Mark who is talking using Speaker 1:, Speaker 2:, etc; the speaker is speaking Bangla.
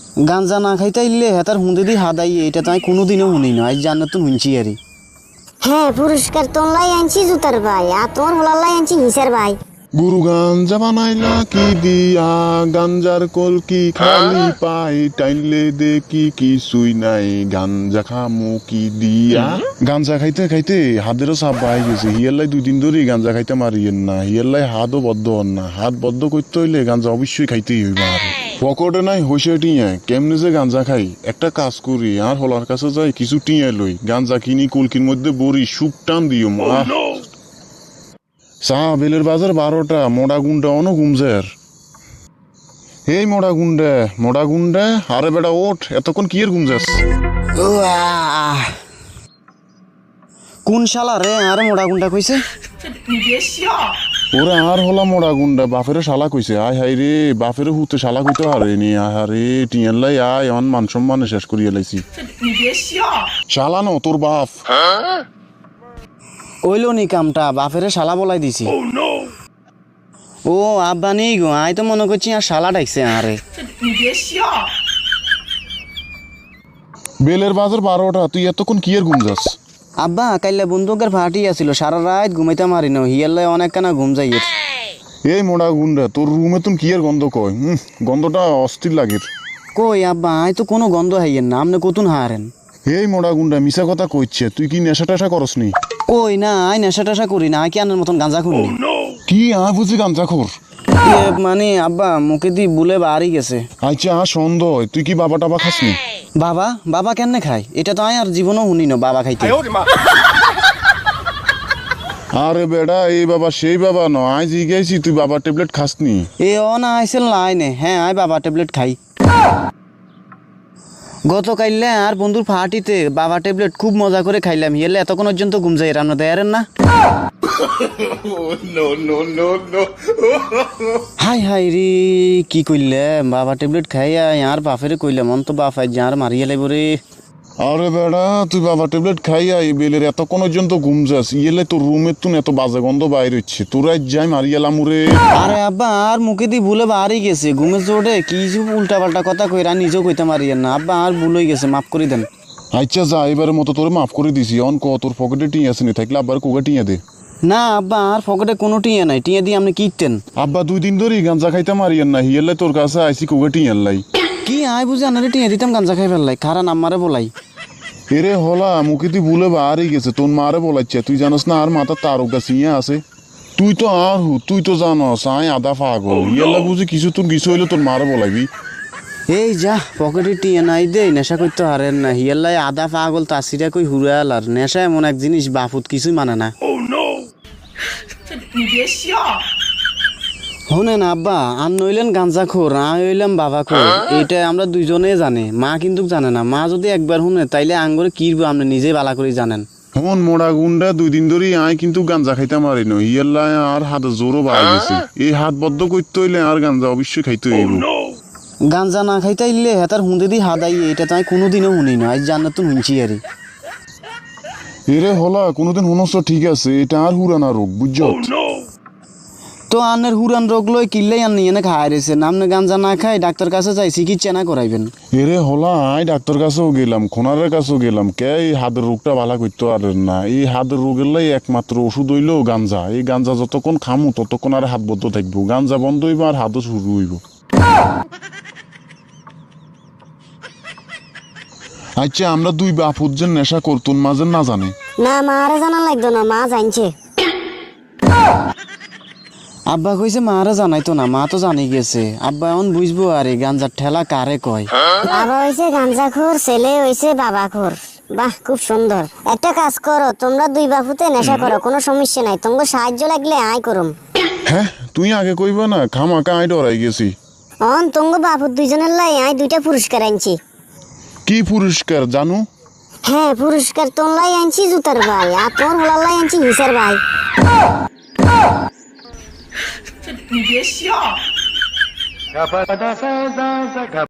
Speaker 1: গাঞ্জা না খাইতে ইল্লে হেতার হুঁদে দি হাদাই এটা তাই কোনোদিনও শুনি না, আজ জান্নাতুন শুনছি আরি।
Speaker 2: হ্যাঁ, পুরস্কার তোমলাই আনছি জুতার ভাই, আর তোমার হোলাল্লাই আনছি হিসার ভাই।
Speaker 3: গুরু গাঞ্জা বানাইলা কি দিয়া, গাঞ্জার কলকি খালি পাই, টাইনলে দেখি কিছুই নাই, গাঞ্জা খামু কি দিয়া। গাঞ্জা খাইতে খাইতে হাতেরও চাপ বাই গেছে, হিয়াল্লাই 2 দিন ধরে গাঞ্জা খাইতে মারিয়েন না, হিয়াল্লাই হাতও বদ্ধ হন না, হাত বদ্ধ করতে হইলে গাঞ্জা অবশ্যই খাইতেই হইবা। আর পকেটে নাই হইসে টিয়া, কেমনে যে গাঞ্জা খাই, একটা কাজ করি আর হলার কাছে যাই কিছু টিয়া লই, গাঞ্জা কিনি কলকির মধ্যে বড়ি সুপ টান দিও মা। চা বেলের বাজার 12টা, মোড়া গুন্ডা অনো ঘুমজের। এই মোড়া গুন্ডা, আরে বেটা ওঠ, এতক্ষণ কি এর ঘুমজাস?
Speaker 1: কোন শালা রে আরে মোড়া গুন্ডা কইছে?
Speaker 3: ওরে আর হলা মোড়া গুন্ডা, বাপেরে শালা কইছে। আয় হাই রে, বাপেরে হুতে শালা কইতে হারে নি। আহারে টিয়াল্লাই আয় অন মান সম্মানে শেষ করিয়া লাইছি। শালা ন তোর বাপ।
Speaker 1: ওইলো নি কামটা, বাপেরে শালা বলাই দিছি। ও আব্বা নেই গো, আই তো মনে করছি আর শালা ডাকছে আরে।
Speaker 3: বেলের বাজার 12টা, তুই এতক্ষণ কি এর ঘুমজাস?
Speaker 1: আব্বা কাইলে বন্দুকের ফাটি আছিল, সারা রাত ঘুমাইতে মারি না, হিয়াল্লাই অনেক কানা ঘুম যাইয়ের।
Speaker 3: এই মোড়া গুন্ডা, তোর রুমে তুমি কি এর গন্ধ কয়? গন্ধটা অস্থির লাগে।
Speaker 1: কই আব্বা আই তো কোনো গন্ধ হাইয়ের না, আপনি কতুন হারেন?
Speaker 3: এই মোড়া গুন্ডা মিছা কথা কইছে, তুই কি নেশা টেশা করস নি?
Speaker 1: কই না, আই নেশা টেশা করি না, আই কি আনের মতন গাঁজা খুনি?
Speaker 3: কি বুঝি গাঞ্জা খোর?
Speaker 1: মানে আব্বা মুখে দি বুলে বাড়ি গেছে।
Speaker 3: আচ্ছা সন্দেহ, তুই কি বাবা টাবা খাসনি?
Speaker 1: বাবা কেন খায়? এটা তো আই আর জীবনও শুনি না বাবা খাইতে।
Speaker 3: আরে বেড়া, এই বাবা সেই বাবা ন, আই জিজ্ঞাসি তুই বাবা ট্যাবলেট খাসনি?
Speaker 1: এ না আইসেল লাইনে, হ্যাঁ আই বাবা ট্যাবলেট খাই। গতকাইলে আর বন্ধুর ফাটিতে বাবা ট্যাবলেট খুব মজা করে খাইলাম, হিয়ালে এতক্ষণ পর্যন্ত ঘুম যাই রান্না দেয়ারেন না। হাই রে কি কইলে, বাবা ট্যাবলেট খাইয়া আর বাপেরে কইলাম অন্ত বাপাই যার মারিয়া লাইব রে।
Speaker 3: আরে বেড়া, তুই বাবা ট্যাবলেট খাইয়া এই বেলের এতক্ষণ পর্যন্ত ঘুম যাস, ইয়েলে তোর রুমের তুন এত বাজে গন্ধ বাইর হচ্ছে, তোরাই যাই মারিয়ালাম রে।
Speaker 1: আরে আব্বা আর মুখে দি ভুলে বাড়ি গেছে, ঘুমের জোরে কি উল্টা পাল্টা কথা কইরা নিজেও কইতে মারিয়েন না আব্বা, আর ভুল হয়ে গেছে, মাফ করে দেন।
Speaker 3: আচ্ছা যা, এবারের মতো তোরে মাফ করে দিছি। অন ক তোর পকেটে টিয়া আসেনি, থাকলে আব্বার কোকে টিয়া দে।
Speaker 1: না আব্বা আর পকেটে কোনো টিয়া নাই, টিয়া দিয়ে আপনি কিনতেন।
Speaker 3: আব্বা 2 দিন ধরে গাঞ্জা খাইতে মারিয়েন না, হিয়ালে তোর কাছে আইসি কোকে টিয়া লাই।
Speaker 1: কি আয় বুঝে আনারে টিয়া দিতাম গাঞ্জা খাই ফেললাই, খারা নাম্বারে বলাই।
Speaker 3: এরে হলা মুখে তুই ভুলে বাড়ি গেছে, তোর মারে বলাচ্ছে, তুই জানোস না আর মাথার তারকা সিঁয়া আছে। তুই তো আর তুই তো জানোস আয় আদা পাগল, ইয়াল্লা বুঝি কিছু তোর কিছু হইলে তোর মারে বলাইবি।
Speaker 1: এই যা পকেটে টিয়া নাই দে, নেশা করতে হারেন না, হিয়াল্লাই আদা পাগল তাসিরা কই হুরাল। আর নেশা এমন এক জিনিস বাপুত কিছুই মানে না। শোনেন আব্বা, আর নইলেন গাঞ্জা খোর, আমি হইলাম বাবা খোর, এটা আমরা দুইজনে জানে, মা কিন্তু জানে না। মা যদি একবার শুনে তাইলে আঙ্গরে কিরবো আপনি নিজেই বালা করে জানেন।
Speaker 3: হন মোড়া গুন্ডা 2 দিন ধরে আয় কিন্তু গাঞ্জা খাইতে মারি ন, ইয়াল্লা আর হাত জোরও বাড়ি গেছে, এই হাত বদ্ধ করতে হইলে আর গাঞ্জা অবশ্যই খাইতে হইব।
Speaker 1: গাঞ্জা না খাইতে ইল্লে হেতার হুঁদে দি হাদাই এটা তাই কোনোদিনও শুনি না, আজ জান্নাতুন শুনছি আরি।
Speaker 3: এরে হলা কোনোদিন শুনছ ঠিক আছে, এটা আর হুরানা রোগ বুঝছ।
Speaker 1: তো আনের হুরান রোগ লই কিল্লাই আন নিয়ে খাই রয়েছে, নামনে গাঞ্জা না খাই ডাক্তার কাছে যাই চিকিৎসা না করাইবেন।
Speaker 3: এরে হলা আই ডাক্তার কাছেও গেলাম, খোনারের কাছেও গেলাম, কে এই হাতের রোগটা ভালো করতে পারেন না। এই হাতের রোগের লাই একমাত্র ওষুধ হইলো গাঞ্জা। এই গাঞ্জা যতক্ষণ খামু ততক্ষণ আর হাত বদ্ধ থাকবো, গাঞ্জা বন্ধ হইব আর হাতও শুরু হইব। আচ্ছা আমরা 2 বাপুর যে নেশা করতুন মাঝে না জানে?
Speaker 2: না, মা আরে জানা লাগতো না, মা জানছে।
Speaker 1: আব্বা কইছে মারা জানাইতো না, মা তো জানি গেছে। আব্বা এখন বুঝবো আরে গাঞ্জার ঠেলা কারে কয়।
Speaker 2: বাবা হইছে গাঞ্জাখোর, ছেলে হইছে বাবাখোর। বাহ, খুব সুন্দর। একটা কাজ করো, তোমরা 2 বাপুতে নেশা করো, কোনো সমস্যা নাই, তোমাকে সাহায্য লাগলে আয় করুম।
Speaker 3: হ্যাঁ তুই আগে কইবা না, খামাকা আই ডরাই গেছি।
Speaker 2: তোমাকে বাপুর 2জনের লাই আয় 2টা পুরস্কার আনছি।
Speaker 3: কি পুরস্কার জানো?
Speaker 2: হ্যাঁ, পুরস্কার তোমলাই আনছি জুতার ভাই, আর তোমার হোলাল্লাই আনছি হিসার ভাই।